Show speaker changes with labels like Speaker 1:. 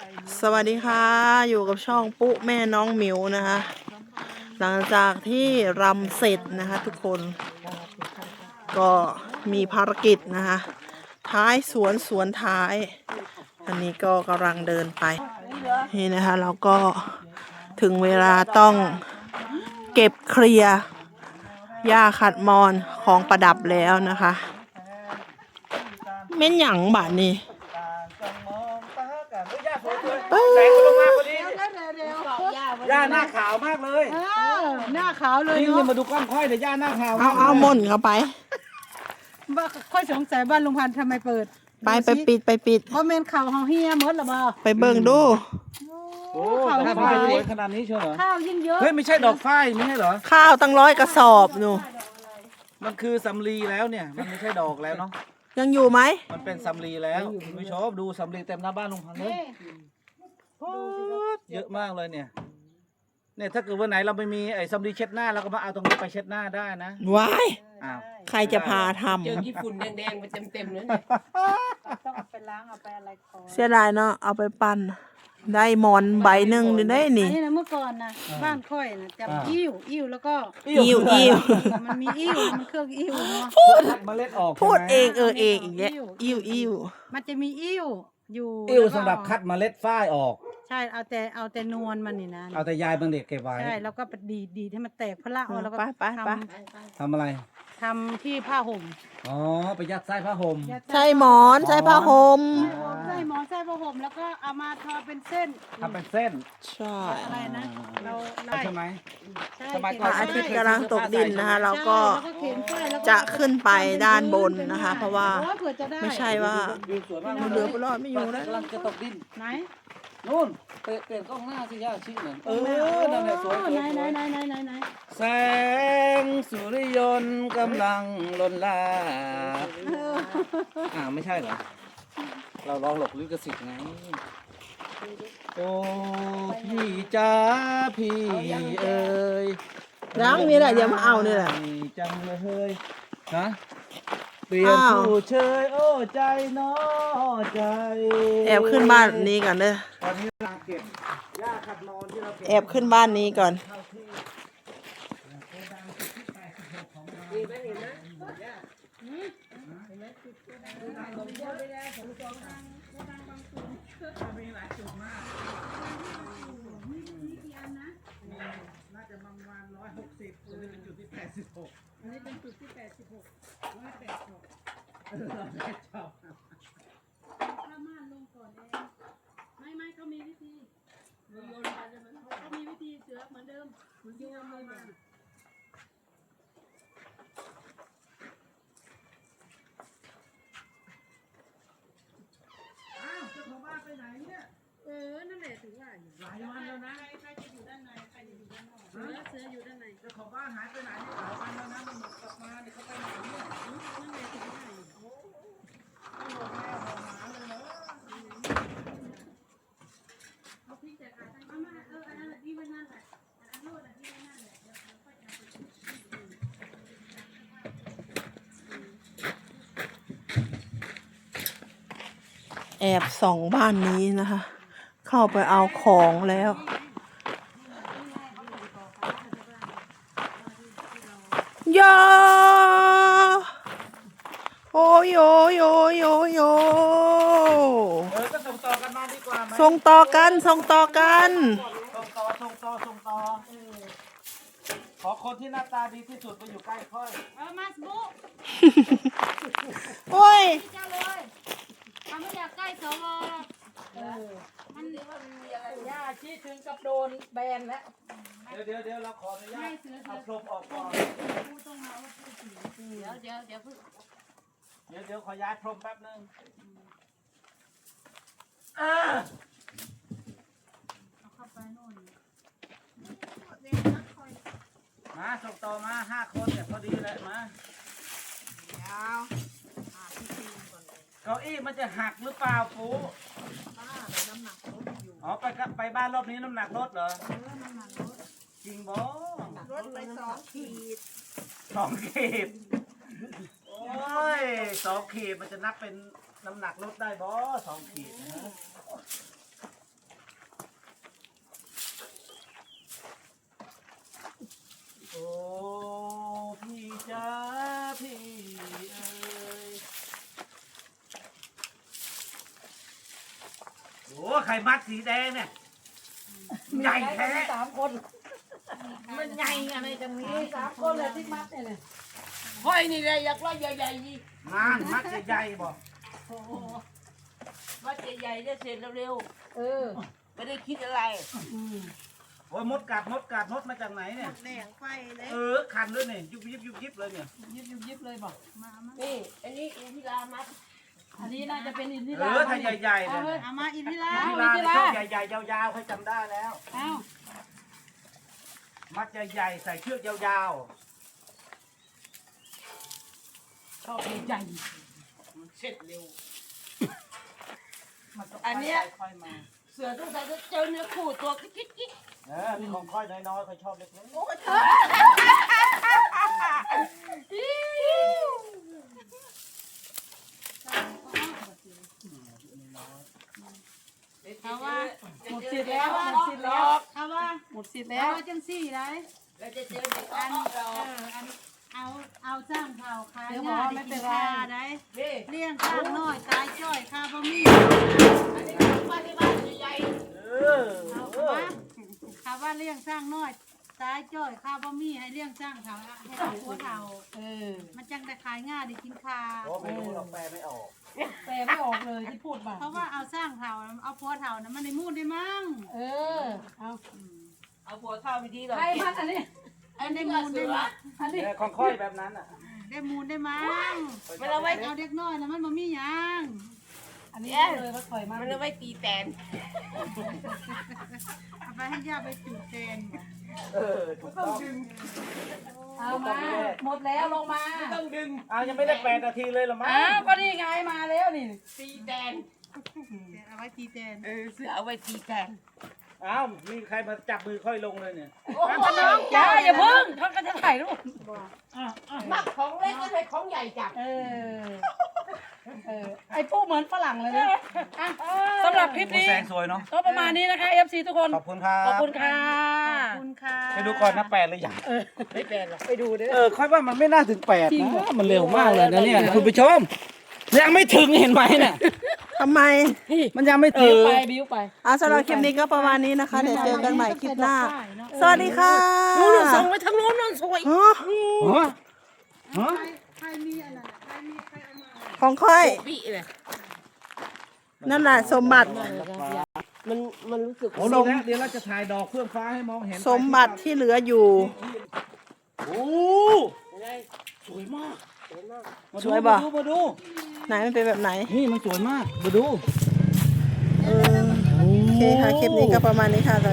Speaker 1: สวัสดีค่ะอยู่กับช่องปุ๊แม่น้องหมิวนะคะหลังจากที่รำเสร็จนะคะทุกคนก็มีภารกิจนะคะท้ายสวนท้ายอันนี้ก็กำลังเดินไปนี่นะคะเราก็ถึงเวลาต้องเก็บเคลียร์หญ้าขัดมอนของประดับแล้วนะคะเม่นหยังบาดนี้
Speaker 2: แสงมันลงมาพอดีย่าหน้าขาวมากเลย
Speaker 3: หน้าขาวเลย
Speaker 2: นี่
Speaker 3: เนาะ
Speaker 2: มาดูกล้องค่อยเดี๋ยวย่าหน้าขาว
Speaker 1: เอาม่นเข้าไป
Speaker 3: ค่อยสงสัยบ้านลุงพันธุ์ทำไมเปิด
Speaker 1: ไปปิด
Speaker 3: เพราะเมนข่าวเฮาเฮียหมดหรอบ่
Speaker 1: ไปเบิ่งดู
Speaker 2: โอ้แต่ถ้ามันสวยขนาดนี้เชียวเหรอ
Speaker 3: ข้าวยิ่งเยอะ
Speaker 2: เฮ้ยไม่ใช่ดอกฝ้ายไม่ใช่เหรอ
Speaker 1: ข้าวตั้ง100 กระสอบหนู
Speaker 2: มันคือสำลีแล้วเนี่ยมันไม่ใช่ดอกแล้วเนาะ
Speaker 1: ยังอยู่ไหม
Speaker 2: มันเป็นสำลีแล้วคุณผู้ชมดูสำลีเต็มหน้าบ้านลุงพันธุ์เลยเยอะมากเลยเนี่ยถ้าเกิดวันไหนเราไม่มีไอ้สำลีเช็ดหน้าเราก็มาเอาตรงนี้ไปเช็ดหน้าได้นะ
Speaker 1: ว้าย
Speaker 2: อ้าว
Speaker 1: ใครจะพาท
Speaker 4: เจอญี่ปุ่นแดงๆมาเต็มๆเลย
Speaker 3: ต้องเอาไปล้างเอาไปอะไรก่อน
Speaker 1: ำเสียดายเนาะเอาไปปั่นได้หมอนใบหนึ่งได้
Speaker 3: อัน
Speaker 1: นี่
Speaker 3: นี้นะเมื่อก่อนนะบ้านค่อยนะจับอิ่วแล้วก็
Speaker 1: อิ่ว
Speaker 3: มันมีอิ่วมันเครื่องอิ่วเนาะ
Speaker 2: คัดเมล็ดออก
Speaker 1: พูด
Speaker 2: ใช่ไหม
Speaker 1: เองเองอีกแล้วอิ่ว
Speaker 3: มันจะมีอิ่วอยู่
Speaker 2: อิ่ว
Speaker 3: แล้ก็
Speaker 2: สำหรับคัดเมล็ดฝ้ายออก
Speaker 3: ใช่เอาแต่นวลมันนี่นะ
Speaker 2: เอาแต่ยายบางเด็กเก็บไว้
Speaker 3: ใช่แล้วก็ไปดีให้มันแตกพละเอาแล้วก็
Speaker 1: ไป
Speaker 2: ทำอะไร
Speaker 3: ทำที่ผ้าห่ม
Speaker 2: อ๋อไปยัดไส้ผ้าห่ม
Speaker 1: ใช่หมอนใช่ผ้าห่ม
Speaker 3: ใส่หมอนใส่ผ้าห่มแล้วก็เอามาทอเป็นเส้น
Speaker 2: ทำเป็นเส้น
Speaker 1: ใช่
Speaker 3: อะไรนะเรา
Speaker 2: ใช่ไหม
Speaker 3: ใช่
Speaker 2: สมัย
Speaker 1: พ
Speaker 2: ก่
Speaker 1: ระอาทิตย์กำลังตกดินนะคะเราก็
Speaker 3: ใช่แล้วเขียนป้ายแล้วก็
Speaker 1: จะขึ้นไปด้านบนนะคะ เพราะว่า
Speaker 3: โอ้ยเผื่อจะได้
Speaker 1: ไม่ใช่ว่า
Speaker 2: วิวสวยมาก
Speaker 1: เหลือไปรอดไม่อยู่แล้ว
Speaker 2: กำลังจะตกดิน
Speaker 3: ไหน
Speaker 2: นู่นเปลี่ยนกล้องหน้าสิย่าชี้หน่อยนั่นแหละสวย
Speaker 3: ไหนไหน
Speaker 2: แสงสุริยนต์กำลังลนลาไม่ใช่เหรอ เราลองหลบลิขสิทธิ์ไง โอ้พี่จ้าพี่เอ๋ย
Speaker 1: ยังนี่แหละอย่ามาเอานี่แหละ
Speaker 2: จังเลยฮะเปลี่ยนผู้เชยโอ้ใจน้อใจ
Speaker 1: แอบขึ้นบ้านนี้ก่อนเด้อ
Speaker 2: ตอนนี้กำลังเก็บหญ้าขัดมอนที่เราเก็บ
Speaker 1: แอบขึ้นบ้านนี้ก่อน
Speaker 2: น่าจะประมาณ160ตัวนี้เป็นจุดที่86อันนี้เป็นจุดที่86 186ชอบ
Speaker 3: ถ้าม่านลงก่อนเองไม่เขามีวิธีโยนไปเลยมันเขามีวิธีเสือเหมือนเดิมเหมือนโยนเลยมา
Speaker 2: อ้าวเจ้าของบ้านไปไหนเนี่ย
Speaker 3: นั่นแหละถึงว่าอยู่
Speaker 2: หลายวันแล้วนะ
Speaker 3: ใครจะอยู่ด้านในใครจะอยู่ด้านนอกเสืออยู่ด้านใน
Speaker 2: เจ้าของบ้านหายไปไหนเนี่ยหลายวันแล้วนะมันหมดกลับมาเนี่ยเขาไปไหนเนี่ย
Speaker 3: นั่นแหละถึงว่าอยู่
Speaker 2: ไม่หมดแม่หมดหมาเลยเหรอ
Speaker 3: เอาพริกแต่ขาตั้งมาอันนั้นที่ไว้นั่นแหละอันโน้นที่ไว้นั่นแหละเดี๋ยวค่อยทำ
Speaker 1: แอบส่องบ้านนี้นะคะ เข้าไปเอาของแล้วโยโอ้ยโยโยโยโย
Speaker 2: ก็ส่งต่อกันมาดีกว่าไหม
Speaker 1: ส่งต่อกันส่งต่อกัน
Speaker 2: ส่งต่อขอคนที่หน้าตาดีที่สุดไปอยู่ใกล้ค่อย
Speaker 3: มาสบุ
Speaker 1: โอ้ย
Speaker 3: เจ้าเลยเขาไม่อยากใกล้สวมันย่าชี้ถึงกับโดนแบนแล้ว
Speaker 2: เดี๋ยวเราขออนุญาตเอาพรมออกก่อน
Speaker 3: พูดต้องมาว่าพูดถึงเดี๋ยวเพิ่ง
Speaker 2: เดี๋ยวขอย้ายพรมแป๊บนึงมาส่งต่อมา5 คนเนี่ยพอดีเลยมาเก้าอี้มันจะหักหรือเปล่าปูอ๋อไปบ้านรอบนี้น้ำหนักลดเหรอจริงบ่ลดไป2 ขีด2 ขีดโอ้ย2 ขีดมันจะนับเป็นน้ำหนักลดได้บ่2 ขีดนะฮะโอ้ไข่มัดสีแดงเนี่ยใหญ่แท้
Speaker 5: 3 คน
Speaker 4: มันใหญ่อะไรจังนี้
Speaker 5: 3 คนเลยที่มัดเนี่ย
Speaker 4: ห้อยนี่เลยอยากว่าใหญ่ๆยี่
Speaker 2: งานมัดใหญ่ๆบอก
Speaker 4: ว่าใหญ่ๆจะเสร็จเร็ว
Speaker 5: เออ
Speaker 4: ๆไม่ได้คิดอะไร
Speaker 2: โอ้ยมดกัดมดมาจากไหนเนี่ย
Speaker 1: แดงไฟเลย
Speaker 2: คันด้วยเนี่ยยุบยิบเลยเนี่ย
Speaker 5: ยิบเลยบอก
Speaker 4: นี่อันนี้อินทิรามัด
Speaker 5: อันนี้น่าจะเป็นอินทิ
Speaker 2: เอ
Speaker 5: รา
Speaker 2: อถ้าใหญ่ๆเนี่ย
Speaker 1: เอามาอินทิรา
Speaker 2: ที่ร้านชอบใหญ่ๆยาวๆให้จำได้แล้ว
Speaker 5: เอ้า
Speaker 2: มัดใหญ่ๆใส่เชือกยาว
Speaker 5: ชอบใหญ่
Speaker 4: เสร็จเร็ว
Speaker 5: มันต้อง
Speaker 4: อันเนี้ย
Speaker 5: ค่อยมา
Speaker 4: เสือต้องใส่เจอเนื้อคู่ตัวกิ๊ก
Speaker 2: นี่ของค่อยน้อยๆค่อยชอบเล็ก
Speaker 4: เขาว่า
Speaker 5: หมดสิทธิ์แล้วหมดสิทธิ์แล้ว
Speaker 3: เอาว่า
Speaker 5: หมดสิทธิ์
Speaker 3: แล้
Speaker 5: แล้ว
Speaker 3: วจังสี่ไร
Speaker 4: เราจะเจอเด็ก
Speaker 3: อัน
Speaker 4: เรา
Speaker 3: อันเอาสร้างเผ่าคาย
Speaker 5: เดี๋ยว
Speaker 3: หน้า
Speaker 5: บอก
Speaker 3: ได้
Speaker 5: ไม่
Speaker 3: กิ
Speaker 5: เป็น
Speaker 3: น
Speaker 5: ไร
Speaker 3: ข้าได้
Speaker 4: นี่
Speaker 3: เลี้ยงข้างน้อยตายจ้อยข้าบะมี่
Speaker 4: อันนี้ของบ้านที่บ้านใหญ่
Speaker 3: เอาเข้ามาข้าว่าเลี้ยงสร้างน้อยตายจ้อยข้าบะมี่ให้เลี้ยงสร้างเผ่าให้เอาหัวเผ่า
Speaker 5: เออ
Speaker 3: มันจังได้ขายง่ายได้กินข้า
Speaker 2: ๆโอ้ไม่รู้หรอกแปลไม่ออก
Speaker 5: แปลไม่ออกเลยที่พูดมา
Speaker 3: เพราะว่าเอาสร้างเผ่าเอาผัวเผ่านะมันได้มูดได้มั้ง
Speaker 5: เออเอา
Speaker 4: ๆเอาหัวเข้าไปดีหรอ
Speaker 5: ใครมัดอันนี้
Speaker 3: อันได้มูลได้มั้ง
Speaker 5: อันนี้
Speaker 2: ของค่อยแบบนั้นอ่ะ
Speaker 3: ได้มูลได้มั้ง
Speaker 4: มันเอาไว้
Speaker 3: เอาเด็กน้อยนะมันบ่มีหยัง
Speaker 5: อันนี้เลยว่าถอยมา
Speaker 4: มันเอาไว้ตีแตน
Speaker 3: เอาไปให้ย่าไปจูดแทน
Speaker 2: ถูกต้อง
Speaker 5: เอามาหมดแล้วลงมา
Speaker 4: ต้องดึง
Speaker 2: ยังไม่ได้8 นาทีเลยหรอมั้ง
Speaker 5: อ้าวก็นี่ไงมาแล้วนี่
Speaker 4: ตีแตน
Speaker 3: เอาไว้ตีแทน
Speaker 4: เสือเอาไว้ตีแตน
Speaker 2: มีใครมาจับมือค่อยลงเลยเนี่ย
Speaker 4: โอ้โห
Speaker 5: อย่าเพิ่งเขาก็จะถ่ายรูป
Speaker 4: มักของเล็กก็ใช้ของใหญ่จับ
Speaker 5: ไอ้พวกเหมือนฝรั่งเลยนะอ่ะสำหรับคลิปนี้
Speaker 2: แสงสวยเนาะ
Speaker 5: ก็ประมาณนี้นะคะ FC ทุกคน
Speaker 2: ขอบคุณครับ
Speaker 5: ขอบคุณค่ะ
Speaker 3: ขอบคุณค่ะ
Speaker 2: ไปดูก่อนนะ8เลยอย่าง
Speaker 4: ไม่แตนหรอก
Speaker 5: ไปดูเด้อ
Speaker 2: ค่อยว่ามันไม่น่าถึง8นะมันเร็วมากเลยนะเนี่ยคุณผู้ชม ยังไม่ถึงเห็นไหมเนี่ย
Speaker 1: ทำไม
Speaker 2: มันยังไม่
Speaker 5: บิ้
Speaker 2: ถึ
Speaker 5: ว
Speaker 2: ง
Speaker 5: ไปบิ้วไป
Speaker 1: สำหรับคลิปนี้ก็ประมาณนี้นะคะ เดี๋ยวเจอกันใหม่คลิปหน้า สวัสดีค่ะ
Speaker 4: นู่นส่งไปทางโน้นนู่นสวย
Speaker 1: อ๋อ
Speaker 3: ใครมีอันนั้นใครมีใครเอามา
Speaker 1: ของค่อย
Speaker 4: ปีเลย
Speaker 1: นั่นแหละสมบัติ
Speaker 4: มันรู้สึก
Speaker 2: โอ้ลงเดี๋ยวเราจะถ่ายดอกเฟื่องฟ้าให้มองเห็น
Speaker 1: สมบัติที่เหลืออยู่
Speaker 2: โอ้
Speaker 4: อะไร
Speaker 2: สวยมาก
Speaker 1: สวยป่ะ
Speaker 2: มาดู
Speaker 1: ไหนมันเป็นแบบไหน
Speaker 2: นี่มันสวยมากมาดู
Speaker 1: โอเคค่ะ คลิปนี้ก็ประมาณนี้ค่ะ